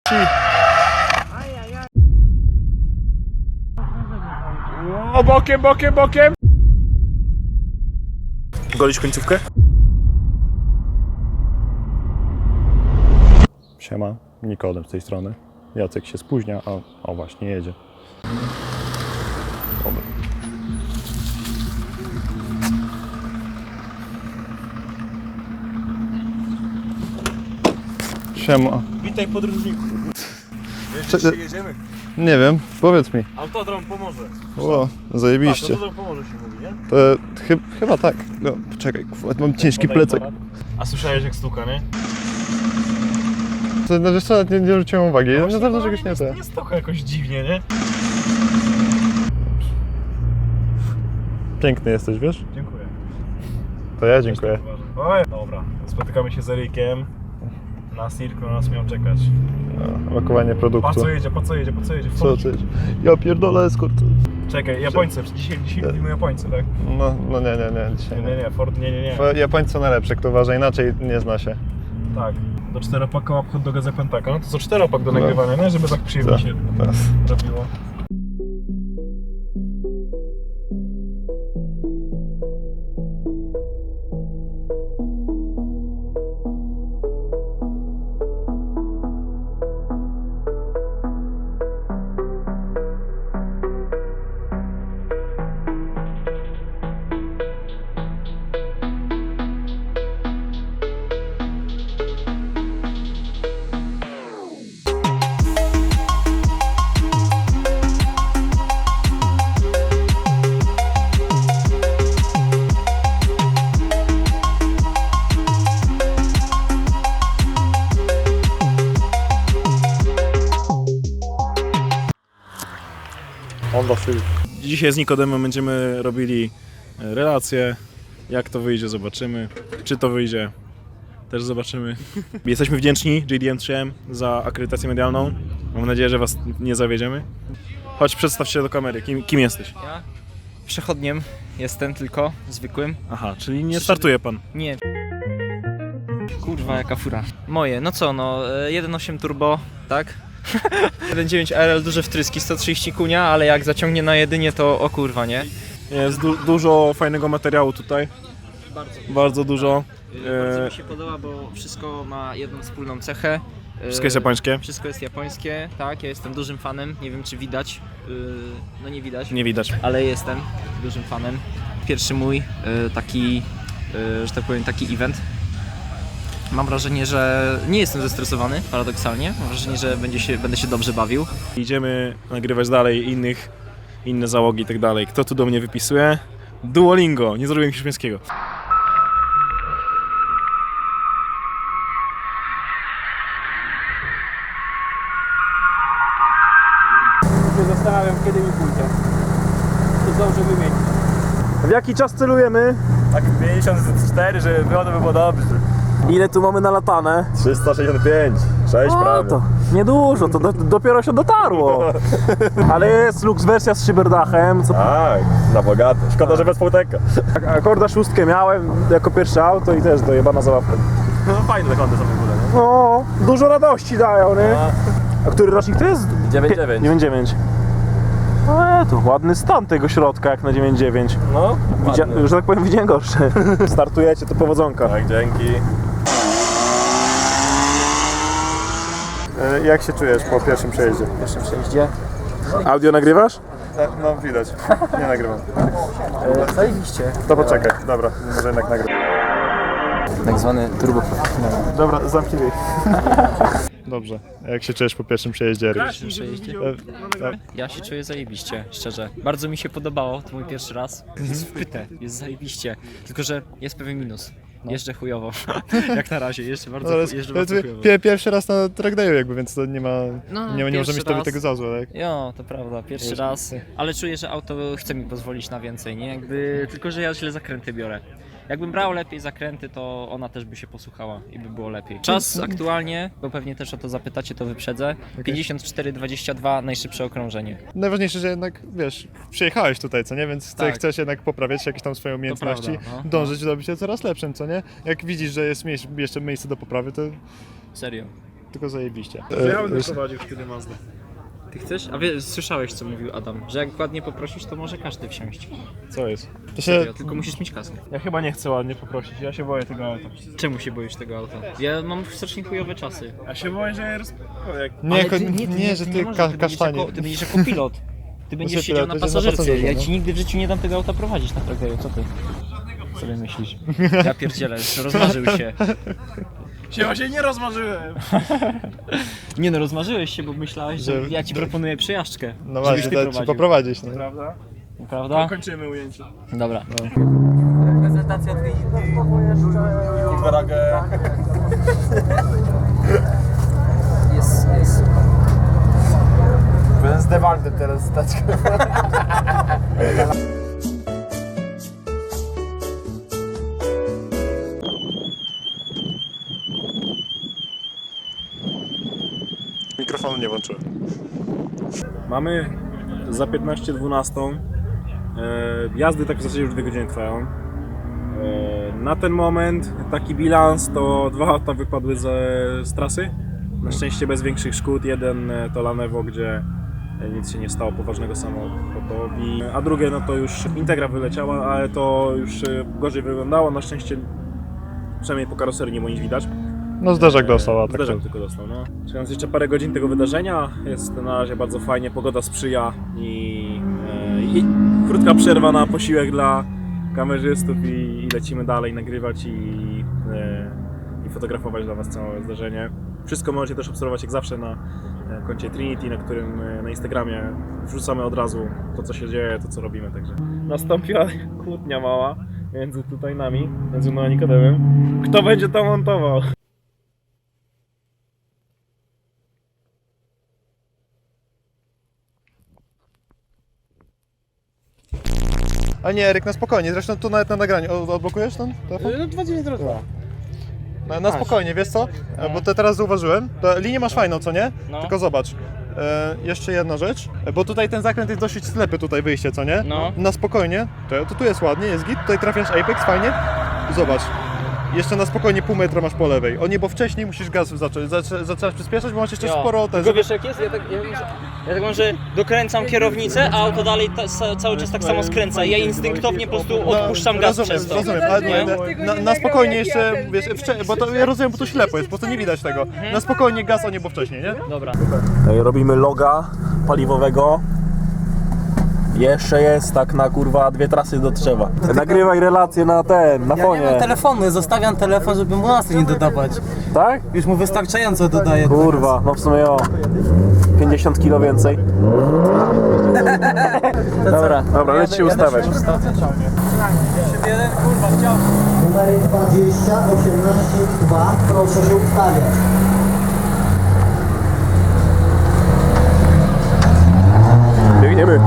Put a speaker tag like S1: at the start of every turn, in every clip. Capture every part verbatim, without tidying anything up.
S1: O, bokiem, bokiem, bokiem! Golić końcówkę? Siema, Nikodem z tej strony. Jacek się spóźnia, a o właśnie jedzie. Dobra. Siema.
S2: Witaj podróżniku. Wiesz,
S1: Cze-
S2: gdzie jedziemy?
S1: Nie wiem, powiedz mi.
S2: Autodrom pomoże.
S1: O, zajebiście.
S2: Tak, autodrom pomoże się mówi, nie?
S1: To chy, chyba tak. No, poczekaj, kurwa, mam ciężki
S2: Podaj
S1: plecak.
S2: aparat. A słyszałeś jak stuka, nie?
S1: To, no wiesz co, nie, nie zwróciłem uwagi. Ja na pewno czegoś nie
S2: nie,
S1: te.
S2: nie stuka jakoś dziwnie, nie?
S1: Piękny jesteś, wiesz?
S2: Dziękuję.
S1: To ja dziękuję.
S2: Oj, dobra, spotykamy się z Erikiem. Na Cirku nas miał czekać.
S1: No, Lokowanie
S2: Po
S1: produktu.
S2: co jedzie, po co jedzie, po co jedzie?
S1: Co ty? Ja pierdolę eskort.
S2: Czekaj, Japońcy, dzisiaj, dzisiaj mówimy Japońcy, tak?
S1: No, no nie, nie, nie, dzisiaj
S2: Nie, nie, nie, Ford, nie, nie, nie.
S1: Japońcy są najlepsze, kto uważa inaczej, nie zna się.
S2: Tak, do czteropaka łap hot doga za Pentaka. No to co, czteropak do nagrywania, nie? Żeby tak przyjemnie
S1: Tak,
S2: się
S1: tak.
S2: robiło.
S1: Honda Civic.
S2: Dzisiaj z Nikodemem będziemy robili relacje. Jak to wyjdzie, zobaczymy. Czy to wyjdzie, też zobaczymy. Jesteśmy wdzięczni J D M trzy M za akredytację medialną. Mam nadzieję, że was nie zawiedziemy. Chodź, przedstaw się do kamery. Kim, kim jesteś?
S3: Ja przechodniem jestem tylko, zwykłym.
S2: Aha, czyli nie startuje pan.
S3: Nie. Kurwa, jaka fura. Moje, no co, no e, jeden przecinek osiem turbo, tak? jeden przecinek dziewięć R L, duże wtryski, sto trzydzieści kunia, ale jak zaciągnie na jedynie, to o kurwa, nie?
S2: Jest du dużo fajnego materiału tutaj.
S3: Bardzo.
S2: Bardzo dużo.
S3: Bardzo
S2: E,
S3: mi się podoba, bo wszystko ma jedną wspólną cechę. E,
S2: Wszystko jest japońskie?
S3: Wszystko jest japońskie, tak, ja jestem dużym fanem, nie wiem czy widać, e, no nie widać.
S2: Nie widać.
S3: Ale jestem dużym fanem. Pierwszy mój y, taki, y, że tak powiem, taki event. Mam wrażenie, że nie jestem zestresowany, paradoksalnie. Mam wrażenie, że będzie się, będę się dobrze bawił.
S2: Idziemy nagrywać dalej innych, inne załogi i tak dalej. Kto tu do mnie wypisuje? Duolingo, nie zrobiłem hiszpańskiego.
S4: się zastanawiam, kiedy mi pójdzie. To zdążę wymienić.
S2: W jaki czas celujemy?
S5: Tak pięćdziesiąt cztery, żeby było, to by było dobrze.
S4: Ile tu mamy nalatane?
S5: trzysta sześćdziesiąt pięć, sześć
S4: O,
S5: prawie.
S4: to niedużo, to do, dopiero się dotarło. Ale jest Lux wersja z szyberdachem. Co...
S5: Tak, na bogato. Szkoda, że bez półteka.
S4: Akorda szóstkę miałem jako pierwsze auto i też dojebana zabawka.
S5: No fajne te kąty są w ogóle, nie?
S4: No, dużo radości dają, nie? A który rocznik to jest?
S5: dziewięć dziewięć.
S4: dziewięć dziewięć. No to ładny stan tego środka jak na dziewięć dziewięć.
S5: No,
S4: Widzia...
S5: ładnie.
S4: Że tak powiem, widziałem gorsze. Startujecie, to powodzonka.
S5: Tak, dzięki.
S1: E, Jak się czujesz po pierwszym przejeździe?
S4: Pierwszym przejeździe.
S1: Audio nagrywasz? No widać, nie nagrywam.
S4: E, zajebiście.
S1: To poczekaj, dobra, może jednak nagrywam.
S3: Tak zwany turbo.
S1: Dobra, zamknij jej. Dobrze, jak się czujesz po pierwszym przejeździe? Eryk?
S3: Ja się czuję zajebiście, szczerze. Bardzo mi się podobało, to mój pierwszy raz. Jest wpyte, jest zajebiście. Tylko, że jest pewien minus. Jeżdżę chujowo. Jak na razie, jeszcze bardzo,
S1: No, ale
S3: jeżdżę
S1: to
S3: bardzo
S1: jest
S3: chujowo.
S1: pie- pierwszy raz na trackdayu jakby, więc to nie ma,
S3: No,
S1: nie, nie może
S3: pierwszy
S1: mieć tobie
S3: raz.
S1: tego za złe, tak?
S3: Jo, to prawda, pierwszy raz, ale czuję, że auto chce mi pozwolić na więcej, nie? Jakby, tylko, że ja źle zakręty biorę. Jakbym brał lepiej zakręty, to ona też by się posłuchała i by było lepiej. Czas aktualnie, bo pewnie też o to zapytacie, to wyprzedzę, pięćdziesiąt cztery dwadzieścia dwa, najszybsze okrążenie.
S1: Najważniejsze, że jednak, wiesz, przyjechałeś tutaj, co nie? Więc
S3: Tak.
S1: chcesz jednak poprawiać jakieś tam swoje umiejętności,
S3: prawda, no.
S1: dążyć do bycia coraz lepszym, co nie? Jak widzisz, że jest miejsce, jeszcze miejsce do poprawy, to,
S3: Serio.
S1: tylko zajebiście.
S2: Ja
S1: E,
S2: bym prowadził wtedy Mazda.
S3: Ty chcesz? A wie, słyszałeś co mówił Adam, że jak ładnie poprosisz, to może każdy wsiąść.
S2: Co jest?
S1: to się,
S3: Serio, tylko musisz mieć kaskę.
S2: Ja chyba nie chcę ładnie poprosić, ja się boję tego auta.
S3: Czemu się boisz tego auta? Ja mam strasznie chujowe czasy.
S2: Ja się boję, że je roz... jak...
S1: nie,
S3: Ale
S1: ko-
S3: ty,
S1: nie,
S3: ty,
S1: że
S3: ty
S1: ty,
S3: nie możesz,
S1: ka-
S3: ty będziesz
S1: kasztanie.
S3: jako, ty będziesz jako pilot. Ty będziesz
S1: Znaczy,
S3: siedział
S1: pilot,
S3: na
S1: to jest na
S3: pasażerce.
S1: pasażerze,
S3: Ja
S1: no.
S3: ci nigdy w życiu nie dam tego auta prowadzić na traktorze, co ty? Sobie myślisz? Ja pierdzielę, rozmarzył się.
S2: Się właśnie nie rozmarzyłem.
S3: Nie no, rozmarzyłeś się, bo myślałeś, że
S1: Że-
S3: ja ci proponuję przejażdżkę.
S1: No
S3: żebyś
S1: właśnie,
S3: ty
S1: to ci
S3: prowadził.
S1: poprowadzić. No.
S2: Prawda?
S3: Prawda?
S2: Kończymy ujęcie.
S3: Dobra.
S5: Ragę.
S3: Jest, jest.
S5: Będę z Dewaldem teraz stać.
S1: Mikrofonu nie włączyłem.
S2: Mamy za piętnaście dwanaście. E, jazdy tak w zasadzie już dwie godziny trwają. E, na ten moment taki bilans to dwa auta wypadły ze, z trasy. Na szczęście bez większych szkód. Jeden e, to Lanewo, gdzie e, nic się nie stało poważnego samochodowi. A drugie no to już Integra wyleciała, ale to już e, gorzej wyglądało. Na szczęście przynajmniej po karoserii nie było nic widać.
S1: No zderzak dostał, a tak
S2: Zderzak
S1: to...
S2: tylko dostał, no. Czekając jeszcze parę godzin tego wydarzenia, jest na razie bardzo fajnie, pogoda sprzyja i, e, i krótka przerwa na posiłek dla kamerzystów i, i lecimy dalej nagrywać i, e, i fotografować dla Was całe zdarzenie. Wszystko możecie też obserwować jak zawsze na e, koncie Trinity, na którym e, na Instagramie wrzucamy od razu to co się dzieje, to co robimy, także nastąpiła kłótnia mała między tutaj nami, między mną a Nikodemem. Kto będzie to montował?
S1: A nie, Eryk, na spokojnie, zresztą tu nawet na nagraniu. O, odblokujesz ten telefon?
S2: No dwa dziewięć zero dwa.
S1: Na, na spokojnie, wiesz co? E, Bo te teraz zauważyłem, to linię masz fajną, co nie?
S3: No.
S1: Tylko zobacz. E, jeszcze jedna rzecz, e, bo tutaj ten zakręt jest dosyć ślepy, tutaj wyjście, co nie?
S3: No.
S1: Na spokojnie, to, to tu jest ładnie, jest git, tutaj trafiasz Apex, fajnie. Zobacz. Jeszcze na spokojnie pół metra masz po lewej. O nie, bo wcześniej musisz gaz zacząć, zaczę- zaczynasz przyspieszać, bo masz jeszcze sporo ten.
S3: Tylko wiesz jak jest? Ja tak, ja, ja, ja tak mam, że dokręcam kierownicę, a auto dalej ta, sa, cały czas tak samo skręca i ja instynktownie po prostu odpuszczam gaz
S1: rozumiem,
S3: przez to.
S1: rozumiem, ale
S3: Nie?
S1: nie, na, na spokojnie jeszcze, wiesz, wcze- bo to ja rozumiem, bo to ślepo jest, po prostu nie widać tego. Na spokojnie gaz, a nie bo wcześniej, nie?
S3: Dobra.
S5: Robimy loga paliwowego. Jeszcze jest tak na kurwa dwie trasy do Trzewa. Nagrywaj relacje na ten, na
S6: Ja nie mam
S5: fonie.
S6: telefonu, zostawiam telefon, żeby mu nas nie dodawać.
S5: Tak?
S6: Już mu wystarczająco dodaję.
S5: Kurwa, no w sumie o pięćdziesiąt kilo więcej.
S3: Dobra.
S5: Dobra, leć się ustawiać.
S6: Jeden kurwa chciał.
S7: Numer dwadzieścia osiemnaście dwa, proszę się ustawiać.
S5: Biegniemy.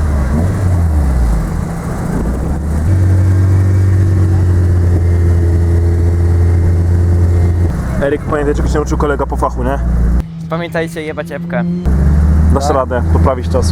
S5: Eryk, pamiętaj, czego się nauczył kolega po fachu, nie?
S3: Pamiętajcie, jebać epkę.
S5: Dasz radę poprawić czas.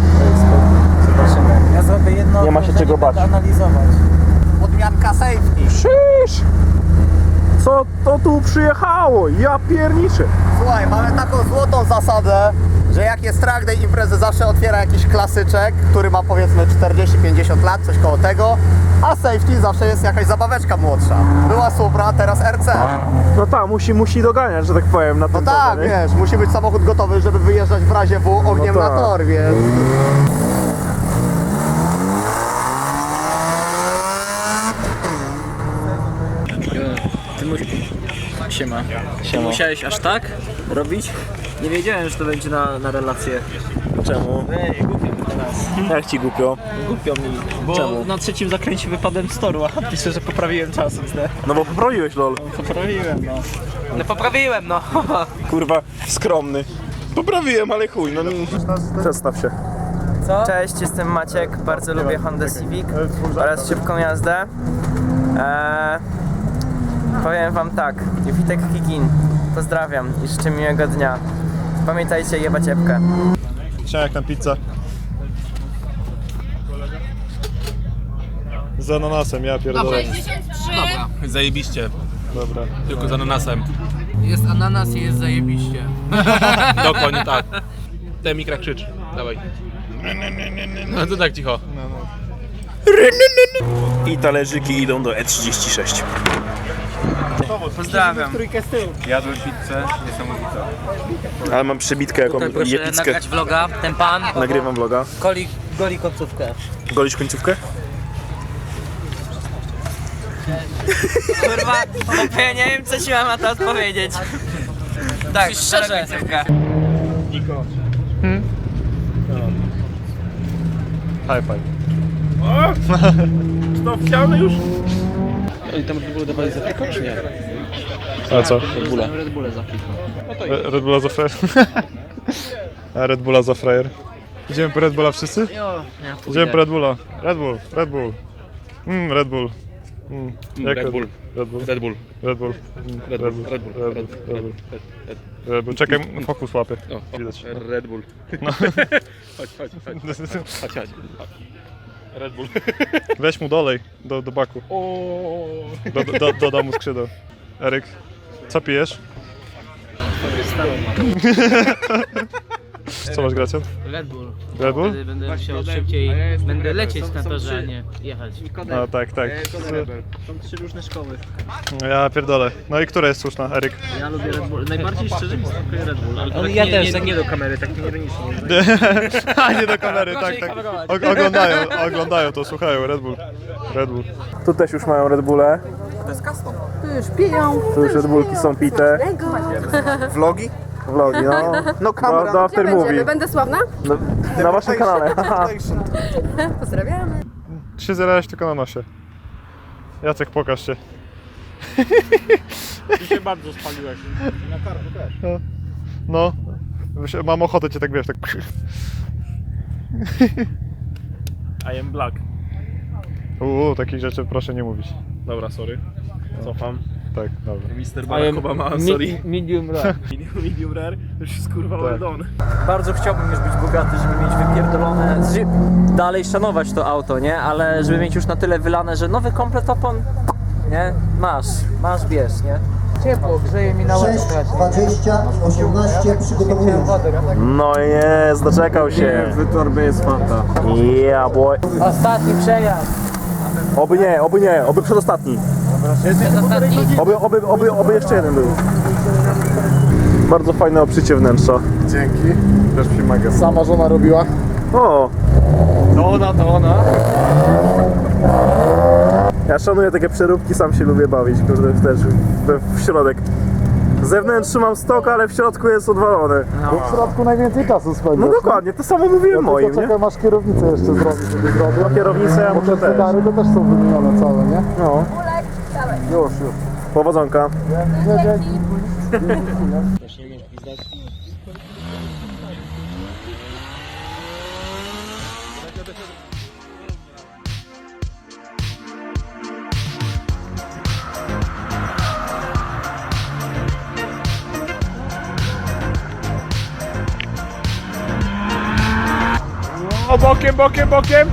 S6: Ja zrobię jedno.
S5: Nie ma się czego bać.
S6: Analizować. Odmianka safety.
S5: Szysz! Co to tu przyjechało? Ja pierniczę!
S8: Słuchaj, mamy taką złotą zasadę, że jak jest track day imprezy, zawsze otwiera jakiś klasyczek, który ma powiedzmy czterdzieści pięćdziesiąt lat, coś koło tego, a safety zawsze jest jakaś zabaweczka młodsza. Była Supra, teraz R C.
S5: No tak, musi, musi doganiać, że tak powiem, na
S8: No
S5: tym
S8: tak,
S5: torze, nie?
S8: wiesz, musi być samochód gotowy, żeby wyjeżdżać w razie W ogniem
S5: No
S8: na
S5: tak.
S8: tor, więc...
S3: Ty musisz... Siema. Ty musiałeś aż tak robić? Nie wiedziałem, że to będzie na, na relację.
S5: Czemu?
S3: Ej, głupio mi teraz.
S5: Jak ci głupio?
S3: Głupio mi, bo
S5: Czemu?
S3: na trzecim zakręcie wypadłem z toru, a piszę, że poprawiłem czas. Nie?
S5: No bo poprawiłeś, lol.
S3: Poprawiłem, no.
S6: No poprawiłem, no.
S5: Kurwa, skromny. Poprawiłem, ale chuj, no... Przedstaw się.
S9: Cześć, jestem Maciek, bardzo lubię Honda Civic oraz szybką jazdę. Eee, powiem wam tak, Witek Kigin, pozdrawiam i życzę miłego dnia. Pamiętajcie, jebać epkę.
S1: Chciałem jak tam pizza. Z ananasem, ja pierdolę.
S10: Zajebiście,
S1: Dobra.
S10: tylko z ananasem.
S6: Jest ananas i jest zajebiście.
S4: Dokładnie tak. Ten mikra krzycz. Dawaj. No to tak cicho. I talerzyki idą do E trzydzieści sześć.
S9: Pozdrawiam.
S2: Jadłem pizzę, niesamowita. Ale mam przebitkę jaką
S6: Tutaj proszę
S2: jepickę.
S6: nagrać vloga, ten pan.
S2: Nagrywam vloga.
S6: Goli, goli końcówkę.
S2: Golisz końcówkę?
S9: Kurwa, bo ja nie wiem co ci mam na to odpowiedzieć. Tak, szczerze.
S1: High five.
S2: To chciałem już?
S1: A co?
S3: Red Bulle za kilka.
S1: Re- Red Bulla za frajer. A Red Bulla za frajer. Idziemy po Red Bulla wszyscy?
S3: Jo, ja
S1: Idziemy po Red Bulla. Red Bull, Red Bull. Mm, Red Bull. Mm. Jak
S4: Red Bull.
S1: Red Bull.
S4: Red Bull.
S1: Red Bull. Mm,
S4: Red Bull. Red Bull.
S1: Red Bull. Red Bull. Red Bull. Czekaj, fokus łapie. Widać.
S4: Red Bull. Chodź, chodź, chodź. Chodź, chodź. Red Bull.
S1: Weź mu dolej do, do baku. Do, do, do, dodam mu skrzydeł. Eryk, co pijesz? Co masz, Gracjan?
S6: Red Bull.
S1: Red Bull?
S6: Wtedy będę musiał szybciej, będę lecieć na torze, a nie jechać.
S1: A tak, tak.
S3: Są trzy różne szkoły.
S1: Ja pierdolę. No i która jest słuszna, Eryk?
S3: Ja lubię Red Bull. Najbardziej szczerze mi smakuje Red Bull. Ale to
S6: On-
S3: tak
S6: ja
S3: nie,
S6: też.
S3: nie, nie do kamery, tak ironicznie.
S1: A nie do kamery, tak, tak. O, oglądają, oglądają to, słuchają, Red Bull. Red Bull.
S5: Tu też już mają Red Bulle.
S10: Tu już piją.
S5: Tu już Red Bullki są pite.
S8: Vlogi?
S5: Vlogi, no.
S8: No kamera.
S5: Do, do after movie.
S10: Będę sławna?
S5: No, na waszym kanale. Haha.
S10: Pozdrawiamy.
S1: Ty się zerałeś tylko na nosie. Jacek, pokaż się.
S2: Ty się bardzo spaliłeś.
S1: No. Mam ochotę cię tak, wiesz, tak...
S2: I am black.
S1: Uuu, takich rzeczy proszę nie mówić.
S2: Dobra, sorry. Cofam.
S1: Tak, dobra.
S2: mister Barack Obama, sorry.
S6: Medium rare.
S2: Medium rare, już jest kurwa
S1: Tak.
S2: well
S9: Bardzo chciałbym już być bogaty, żeby mieć wypierdolone, ży- dalej szanować to auto, nie? Ale żeby mieć już na tyle wylane, że nowy komplet opon, nie? Masz, masz, bierz, nie?
S6: Ciepło, grzeje mi na
S7: sześć, dwadzieścia, osiemnaście przygotowują się.
S5: No jest, doczekał się.
S4: W torbie jest fanta.
S5: Yeah, boy.
S6: Ostatni przejazd.
S5: Oby nie, oby nie, oby przedostatni.
S6: Ostatni.
S5: Oby, oby, oby, oby jeszcze jeden był. Bardzo fajne obszycie wnętrza.
S1: Dzięki. Też mi maga.
S5: Sama żona robiła. O!
S1: To ona, to ona.
S5: Ja szanuję takie przeróbki, sam się lubię bawić, kurde, też w, w środek. Z zewnątrz mam stok, ale w środku jest odwalony.
S11: Bo w środku najwięcej czasu spędzasz.
S5: No dokładnie, to samo mówiłem moim, nie?
S11: Czekaj, masz kierownicę jeszcze zrobić, żeby zrobić.
S5: No kierownicę ja
S11: Bo
S5: muszę
S11: te
S5: też.
S11: cygary to też są wymienione całe, nie?
S5: No.
S11: Już, już.
S5: Powodzonka.
S11: Nie, nie.
S2: O, bokiem, bokiem, bokiem!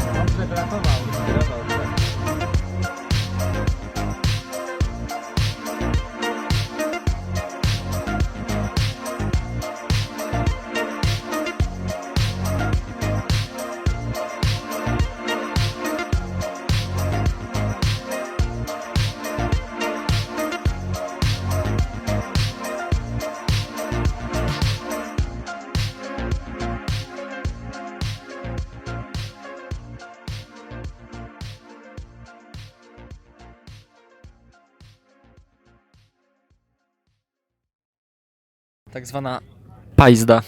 S3: Tak zwana pajzda.